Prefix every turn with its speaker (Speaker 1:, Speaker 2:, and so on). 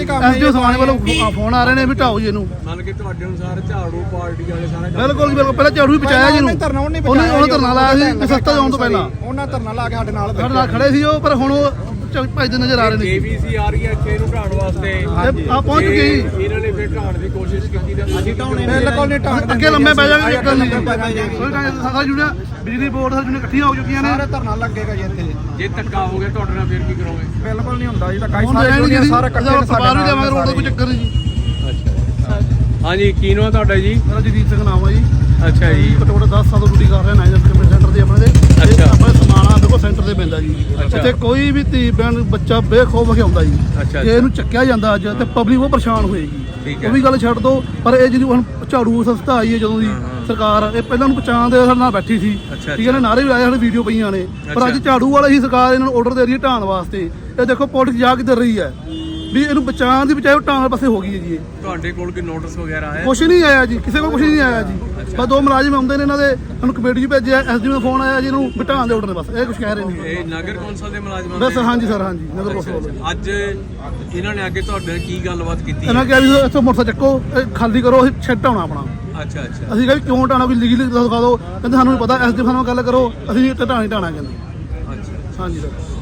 Speaker 1: SDO ਸਮਾਣੇ ਵੱਲੋਂ phone ਆ ਰਹੇ ਨੇ ਵੀ ਢਾਓ ਜੀ ਇਹਨੂੰ।
Speaker 2: ਮੰਨ ਕੇ ਤੁਹਾਡੇ ਅਨੁਸਾਰ ਝਾੜੂ ਪਾਰਟੀ ਵਾਲੇ ਸਾਰਾ
Speaker 1: ਬਿਲਕੁਲ ਜੀ ਬਿਲਕੁਲ, ਪਹਿਲਾਂ ਝਾੜੂ ਹੀ ਪਹੁੰਚਾਇਆ ਜੀ ਇਹਨੂੰ, ਉਹਨੇ ਧਰਨਾ ਲਾਇਆ ਸੀ ਸਸਤਾ ਜਾਣ ਤੋਂ ਪਹਿਲਾਂ,
Speaker 3: ਉਹਨਾਂ ਧਰਨਾ ਲਾ ਕੇ ਸਾਡੇ ਨਾਲ
Speaker 1: ਖੜੇ ਸੀ ਉਹ, ਪਰ ਹੁਣ ਉਹ ਭੱਜਦੇ ਨਜ਼ਰ ਆ ਰਹੇ ਨੇ।
Speaker 2: ਕੇਵੀਸੀ ਆ ਰਹੀ ਹੈ ਇੱਥੇ ਇਹਨੂੰ ਢਾਉਣ ਵਾਸਤੇ,
Speaker 1: ਆ ਪਹੁੰਚ ਗਈ ਜੀ।
Speaker 2: ਇਹਨਾਂ ਨੇ ਫਿਰ ਢਾਉਣ ਦੀ ਕੋਸ਼ਿਸ਼ ਕੀਤੀ ਤੇ ਅਸੀਂ ਢਾਉਣੇ
Speaker 3: ਬਿਲਕੁਲ ਨਹੀਂ ਢਾਉਣ
Speaker 1: ਅੱਗੇ ਲੰਮੇ ਪੈ ਜਾਣਗੇ, ਇੱਕ ਗੱਲ ਨਹੀਂ ਸਾਰਾ ਜੁੜਿਆ, ਬਿਜਲੀ ਬੋਰਡ ਸਾਰੀ ਜੁੜੀਆਂ ਇਕੱਠੀਆਂ ਹੋ ਚੁੱਕੀਆਂ ਨੇ।
Speaker 3: ਸਾਰੇ ਧਰਨਾ ਲੱਗੇਗਾ ਜੀ ਇੱਥੇ।
Speaker 2: ਜੇ ਧੱਕਾ ਹੋ ਗਿਆ ਤੁਹਾਡੇ ਨਾਲ ਫਿਰ ਕੀ ਕਰੋਗੇ?
Speaker 3: ਬਿਲਕੁਲ ਨਹੀਂ ਹੁੰਦਾ ਜੀ, ਧੱਕਾ
Speaker 1: ਹੁਣ ਸਾਰਾ ਇਕੱਠੇ ਸਰਕਾਰ ਵੀ ਦੇਵਾਂਗੇ ਰੋਡ ਦਾ ਕੋਈ ਚੱਕਰ ਨਹੀਂ ਜੀ।
Speaker 2: ਅੱਛਾ ਹਾਂਜੀ, ਕੀ ਨਾਮ ਤੁਹਾਡਾ ਜੀ?
Speaker 1: ਮੇਰਾ ਜਗਦੀਪ ਸਿੰਘ ਨਾਮ ਆ ਜੀ।
Speaker 2: ਅੱਛਾ ਜੀ,
Speaker 1: ਘੱਟੋ ਘੱਟ 10 ਸਾਲ ਤੋਂ ਡਿਊਟੀ ਕਰ ਰਿਹਾ ਨਾਈਜਰ ਕਮਿਊਨਿਟੀ ਸੈਂਟਰ ਦੇ ਆਪਣੇ ਦੇ।
Speaker 2: ਅੱਛਾ।
Speaker 1: ਆਪਣੇ ਸਮਾਣਾ ਦੇਖੋ ਸੈਂਟਰ ਤੇ ਪੈਂਦਾ ਜੀ। ਇੱਥੇ ਕੋਈ ਵੀ ਧੀ ਭੈਣ ਬੱਚਾ ਬੇਖੌਫ ਹੋ ਕੇ ਆਉਂਦਾ ਜੀ।
Speaker 2: ਅੱਛਾ।
Speaker 1: ਜੇ ਇਹਨੂੰ ਚੱਕਿਆ ਜਾਂਦਾ ਅੱਜ ਤੇ ਪਬਲਿਕ ਉਹ ਪਰੇਸ਼ਾਨ ਹੋਏਗੀ।
Speaker 2: ਠੀਕ ਹੈ।
Speaker 1: ਉਹ ਵੀ ਗੱਲ ਛੱਡ ਦੋ, ਪਰ ਇਹ ਜਿਹੜੀ ਹੁਣ ਝਾੜੂ ਸੰਸਥਾ ਆਈ ਹੈ ਜਦੋਂ ਦੀ ਸਰਕਾਰ, ਇਹ ਪਹਿਲਾਂ ਨੂੰ ਪਛਾਣ ਦੇ ਸਾਡੇ ਨਾਲ ਬੈਠੀ ਸੀ। ਠੀਕ ਹੈ ਨਾ, ਨਾਰੇ ਵੀ ਆਏ, ਸਾਡੇ ਵੀਡੀਓ ਪਈਆਂ ਨੇ, ਪਰ ਅੱਜ ਝਾੜੂ ਵਾਲੇ ਹੀ ਸਰਕਾਰ ਇਹਨਾਂ ਨੂੰ ਆਰਡਰ ਦੇ ਰਹੀ ਹੈ ਢਾਣ ਵਾਸਤੇ। ਇਹ ਦੇਖੋ ਪੋਲਿਟਿਕਸ ਜਾ ਕਿੱਧਰ ਰਹੀ ਹੈ ਵੀ ਇਹਨੂੰ ਬਚਾਉਣ ਦੀ ਬਚਾਏ ਢਾਣ ਪਾਸੇ ਹੋ ਗਈ ਹੈ ਜੀ। ਇਹ
Speaker 2: ਤੁਹਾਡੇ ਕੋਲ ਕੋਈ ਨੋਟਿਸ ਵਗੈਰਾ ਆਇਆ?
Speaker 1: ਕੁਛ ਨਹੀਂ ਆਇਆ ਜੀ, ਕਿਸੇ ਕੋਲ ਕੁਛ ਨਹੀਂ ਆਇਆ ਜੀ। ਬਸ 2 ਮੁਲਾਜ਼ਮ ਆਉਂਦੇ ਨੇ ਇਹਨਾਂ ਦੇ, ਸਾਨੂੰ ਕਮੇਟੀ 'ਚ ਭੇਜਿਆ, ਐਸਡੀਓ ਦਾ ਫੋਨ ਆਇਆ ਜੀ, ਇਹਨੂੰ ਬਿਠਾਉਣ ਦੇ ਆਰਡਰ ਨੇ, ਬਸ ਇਹ ਕੁਛ ਕਹਿ ਰਹੇ ਨੇ।
Speaker 2: ਇਹ ਨਗਰ ਕੌਂਸਲ ਦੇ ਮੁਲਾਜ਼ਮਾਂ
Speaker 1: ਬਸ ਹਾਂਜੀ ਸਰ, ਹਾਂਜੀ ਨਗਰ ਕੌਂਸਲ ਵੱਲੋਂ।
Speaker 2: ਅੱਜ ਇਹਨਾਂ ਨੇ ਅੱਗੇ ਤੁਹਾਡੇ ਨਾਲ ਕੀ ਗੱਲਬਾਤ ਕੀਤੀ?
Speaker 1: ਇਹਨਾਂ ਕਿਹਾ ਵੀ ਇੱਥੋਂ ਮੋਟਰਸਾਈਕਲ ਚੱਕੋ, ਇਹ ਖਾਲੀ ਕਰੋ, ਅਸੀਂ ਸ਼ੈੱਡ ਢਾਉਣਾ ਆਪਣਾ।
Speaker 2: ਅੱਛਾ ਅੱਛਾ।
Speaker 1: ਅਸੀਂ ਕਿਹਾ ਵੀ ਕਿਉਂ ਢਾਉਣਾ, ਕੋਈ ਲੀਗਲੀ ਦਿਖਾ ਦਿਓ। ਕਹਿੰਦੇ ਸਾਨੂੰ ਨਹੀਂ ਪਤਾ, ਐਸਡੀਓ ਸਾਨੂੰ ਗੱਲ ਕਰੋ, ਅਸੀਂ ਇੱਥੇ ਢਾਣੀ ਢਾਣਾ ਕਹਿੰਦੇ।
Speaker 2: ਅੱਛਾ
Speaker 1: ਹਾਂਜੀ ਸਰ।